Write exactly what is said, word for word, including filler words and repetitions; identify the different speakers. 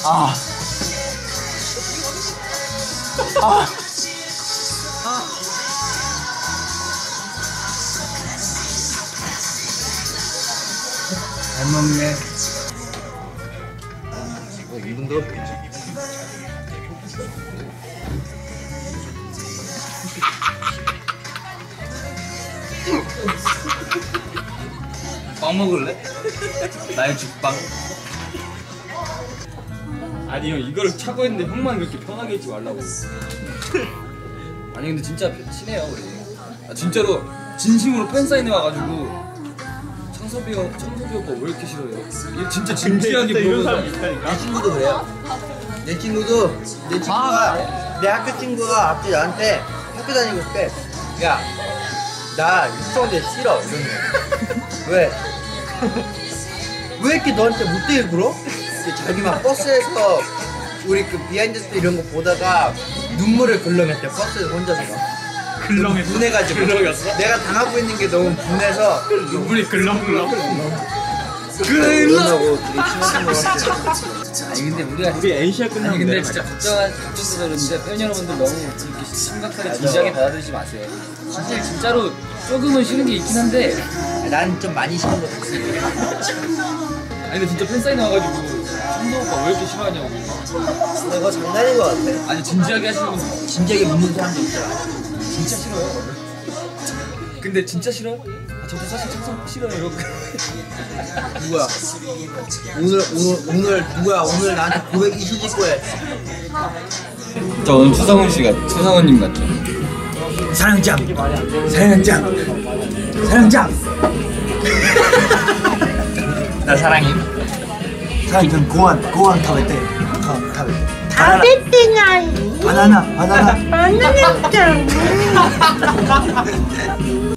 Speaker 1: 아. 아. 잘 먹네.
Speaker 2: 어, 이 분도
Speaker 1: 빵 먹을래? 나의 죽빵.
Speaker 3: 아니 형 이거를 차고 했는데 형만 그렇게 편하게 있지 말라고.
Speaker 1: 아니 근데 진짜 친해요 우리. 아, 진짜로 진심으로 팬 사인회 와가지고 창섭이 형, 창섭이 오빠 왜 이렇게 싫어요? 얘 진짜 진지하게 물어보는
Speaker 2: 내 친구도 그래요. 내 친구도 내 친구가 내 학교 친구가 앞뒤 나한테 학교 다니고 있을 때 야 나 육성대 싫어 이러는 거야. 왜? 왜 이렇게 너한테 못되게 굴어? 자기 막 버스에서 우리 그 비하인드 스토리 이런 거 보다가 눈물을 글렁했대. 버스에서 혼자서 막
Speaker 3: 글렁했어?
Speaker 2: 분해가지고
Speaker 3: 글렁였어?
Speaker 2: 내가 당하고 있는 게 너무 분해서
Speaker 3: 눈물이 글렁글렁.
Speaker 2: 그러고 되게 친해진 것 같아.
Speaker 1: 아니 근데 우리가
Speaker 3: 우리 엔시아
Speaker 1: 아니
Speaker 3: 끝나면
Speaker 1: 근데
Speaker 3: 내려가자.
Speaker 1: 진짜 걱정한 걱정돼서 그러는데 팬 여러분들 너무 이렇게 심각하게 진지하게 받아들이지 마세요. 사실 진짜로 조금은 싫은 게 있긴 한데
Speaker 2: 난 좀 많이 싫은 것 같아.
Speaker 1: 아니 근데 진짜 팬 사인 와가지고 창섭 오빠 왜 이렇게 싫어하냐고.
Speaker 2: 그거 장난인 것 같아.
Speaker 1: 아니 진지하게 하시는 분
Speaker 2: 진지하게 묻는 사람도 있잖아.
Speaker 1: 진짜 싫어요. 근데 진짜 싫어? 아, 저도 사실 창섭 싫어요 이러고.
Speaker 2: 누구야? 오늘 오늘 오늘 누구야? 오늘 나한테 고백 이슈 짓고 해.
Speaker 1: 저 오늘 추성훈 씨가 추성훈님 같죠?
Speaker 2: 사랑장, 사랑장, 사랑장.
Speaker 1: 나 사랑해.
Speaker 2: 사랑장 고안 고안 타베테. 타베테.
Speaker 4: 타베테ない
Speaker 2: 바나나 바나나.
Speaker 4: 바나나ちゃん